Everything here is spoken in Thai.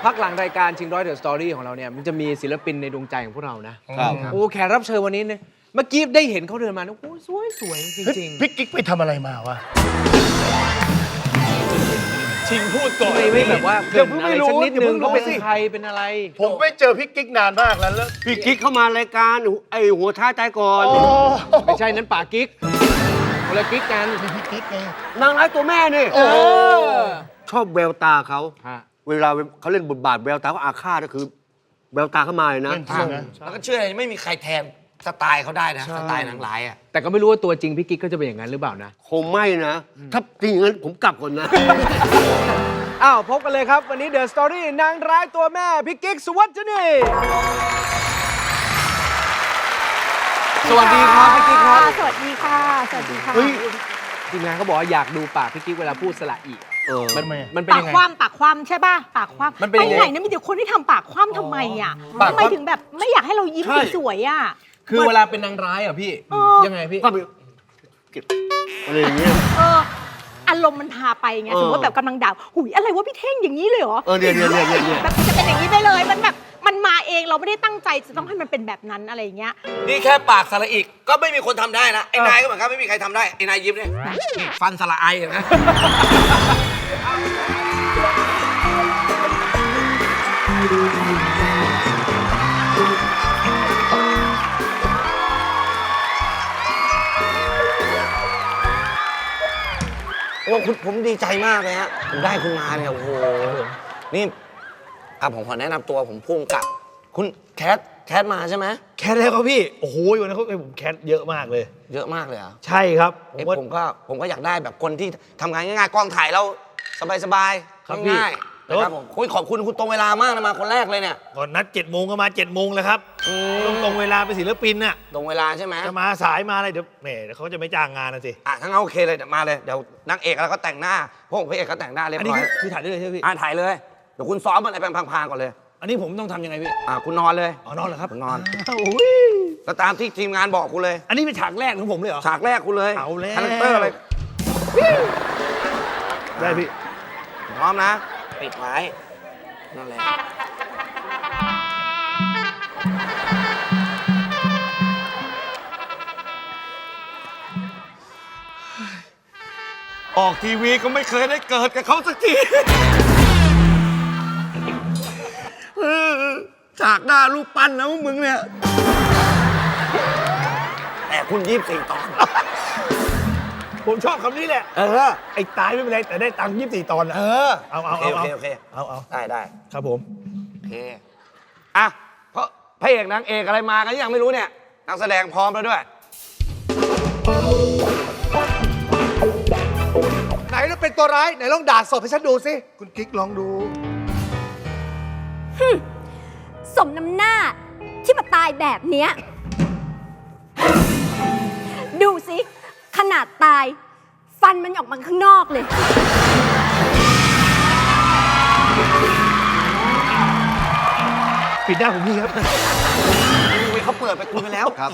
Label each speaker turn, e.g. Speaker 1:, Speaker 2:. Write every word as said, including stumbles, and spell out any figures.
Speaker 1: พักหลังรายการชิงร้อยเดอะสตอรี่ของเราเนี่ยมันจะมีศิลปินในดวงใจของพวกเรานะครับโอ้แขกรับเชิญวันนี้เนี่ยเมื่อกี้ได้เห็นเขาเดินมาโอ้สวยสวยจริงๆ
Speaker 2: พี่กิ๊กไปทำอะไรมาวะ
Speaker 3: ชิงพูดก่อน
Speaker 1: ไม่ไม่แบบว่าเกิดอะไรสักนิดนึงเขาเป็นใครเป็นอะไร
Speaker 2: ผมไม่เจอพี่กิ๊กนานมากแล้วแล้ว
Speaker 4: พี่กิ๊กเข้ามารายการไอ้หัวท้าใจก่อน
Speaker 1: ไม่ใช่นั้นป่ากิ๊กคนละกิ๊กกัน
Speaker 2: พี่กิ๊กไง
Speaker 4: นางร้ายตัวแม่นี่
Speaker 1: เออ
Speaker 4: ชอบแววตาเขา
Speaker 1: ฮะ
Speaker 4: เวลาเขาเล่นบทบาทแววตาเขาอาฆาตก็คือแววตาเข้ามาเลยนะ
Speaker 2: เป็นจริงนะ
Speaker 3: แล้วก็เชื่อไม่มีใครแทนสไตล์เขาได้นะสไตล์นางร้ายอ่ะ
Speaker 1: แต่ก็ไม่รู้ว่าตัวจริงพี่กิ๊กก็จะเป็นอย่างนั้นหรือเปล่านะ
Speaker 4: คงไม่นะ ถ้าจริงอย่างนั้นผมกลับก่อนนะ
Speaker 1: อ้าวพบกันเลยครับวันนี้เดอะสตอรี่นางร้ายตัวแม่พี่กิ๊กสุวัจนีสวัสดีครับพี่กิ๊กครับ
Speaker 5: สวัสดีค่ะ สวัสดีค่ะ
Speaker 1: เฮ้ยทีมงานเขาบอกว่าอยากดูปากพี่กิ๊กเวลาพูดสระอี
Speaker 4: เออ
Speaker 1: มันมันเป็น
Speaker 5: ปาก
Speaker 1: ยังไง
Speaker 5: คว่ำปากคว่ำใช่ป่ะ ปากคว่ำ
Speaker 1: มันเป็นยังไง
Speaker 5: ไหนเนี่ยมีแต่คนที่ทำปากคว่ำทำไมอ่ะ
Speaker 1: ปาก
Speaker 5: ทำ
Speaker 1: คว่ำ
Speaker 5: ไมถึงแบบไม่อยากให้เรายิ้มสวยๆอ่ะ
Speaker 1: คือเวลาเป็นนางร้ายอ่ะพี่
Speaker 5: เออ
Speaker 1: ยังไงพี่
Speaker 4: ก็ไปเก็บอะไรอย่างเงี้ย
Speaker 5: เอออารมณ์มันพาไปไง
Speaker 4: เออ
Speaker 5: สมมติว่าแบบกำลังด่าหุยอะไรวะพี่เท่งอย่างนี้เลยเหรอ
Speaker 4: เออเนี่ยเนี่ยเนี่ยเนี่ย
Speaker 5: แบบมันจะเป็นอย่างนี้ไปเลยมันแบบมันมาเองเราไม่ได้ตั้งใจจะต้องให้มันเป็นแบบนั้นอะไรอย่างเงี้ย
Speaker 3: นี่แค่ปากสระอีกก็ไม่มีคนทำได้นะไอ้นายก็เหมือนกันไม่มีใครทำได้ไอ้นายยิ้มเนี่ยนี่ฟันสระไอเห็นไหม โอ้คุณผมดีใจมากเลยฮะผมได้คุณมาเนี่ยโอ้โหนี่อ่ะผมขอแนะนำตัวผมพุ่งกับ คุณแคทแคทมาใช่ไหม
Speaker 6: แคทแล้วครับพี่ โอ้โหวันนั้นเขาให้ผมแคทเยอะมากเลย
Speaker 3: เยอะมากเลยเหรอ่ะ
Speaker 6: ใช่ครับผม
Speaker 3: เอ้ย
Speaker 6: ว่า
Speaker 3: ผมก็ผมก็อยากได้แบบคนที่ทำงานง่ายๆกล้องถ่ายแล้วสบาย
Speaker 6: ครับพี่
Speaker 3: ๆง่ายๆนะครับผมคุยขอบคุณคุณตรงเวลามากนะมาคนแรกเลยเนี่ย
Speaker 6: ก่อนนัดเจ็ดโมงก็มาเจ็ดโมงแล้วครับต้องตรงเวลาเป็นศิลปินน่ะ
Speaker 3: ตรงเวลาใช่ไหม
Speaker 6: จะมาสายมาอะไรเดี๋ยวแหมเดี๋ยวเขาจะไม่จ้างงานนะสิ
Speaker 3: อ่ะทั้างนโอเคเลยเดี๋ยวมาเลยเดี๋ยวนางเอกแล้วก็แต่งหน้าพวกพระเอกก็แต่งหน้าเรียบ
Speaker 6: อันนี้
Speaker 3: ร้อย
Speaker 6: คือคือถ่ายได้เลยใช่ไหมพี่
Speaker 3: อ่านถ่ายเลยเดี๋ยวคุณซ้อมอะไรไปพังๆก่อนเลย
Speaker 6: อันนี้ผมต้องทำยังไงพี่
Speaker 3: อ่ะคุณนอนเลย
Speaker 6: อ๋อนอนเหรอครับ
Speaker 3: คุณนอน
Speaker 6: โอ้ย
Speaker 3: ก็ตามที่ทีมงานบอกคุณเลย
Speaker 6: อันนี้เป็นฉากแรกของผมเลยเหรอ
Speaker 3: ฉากแรกคุณเลย
Speaker 6: เอาแล้ว
Speaker 3: คาแรคเตอร์อะไร
Speaker 6: ได้พี่
Speaker 3: พร้อมนะ ปิดไว้นั่นแหละ
Speaker 4: ออกทีวีก็ไม่เคยได้เกิดกับเขาสักทีจากหน้ารูปปั้นนะพวกมึงเนี่ย
Speaker 3: แต่คุณยี่สิบสี่ตอน
Speaker 6: ผมชอบคำนี้แหละ
Speaker 3: เออ
Speaker 6: ไอ้ตายไม่เป็นไรแต่ได้ตังค์ยี่สิบสี่ตอนนะ
Speaker 3: เออ
Speaker 6: เอาเอา
Speaker 3: โอ
Speaker 6: เอา
Speaker 3: เค
Speaker 6: เอา
Speaker 3: โอเค
Speaker 6: เอาเอา
Speaker 3: ได้ได้
Speaker 6: ครับผม
Speaker 3: โอเคอ่ะเพราะพระเอกนางเอกอะไรมากันยังไม่รู้เนี่ยนักแสดงพร้อมแล้วด้วย
Speaker 2: ไหนเราเป็นตัวร้ายไหนลองด่าสดให้ฉันดูสิคุณกิ๊กลองดู
Speaker 7: สมน้ำหน้าที่มาตายแบบเนี้ยดูสิ ขนาดตาย ฟันมันออกมาข้างนอกเลย
Speaker 6: ปิดหน้าผมนี่ครับ
Speaker 3: เขาเปิดไปคุณไปแล้ว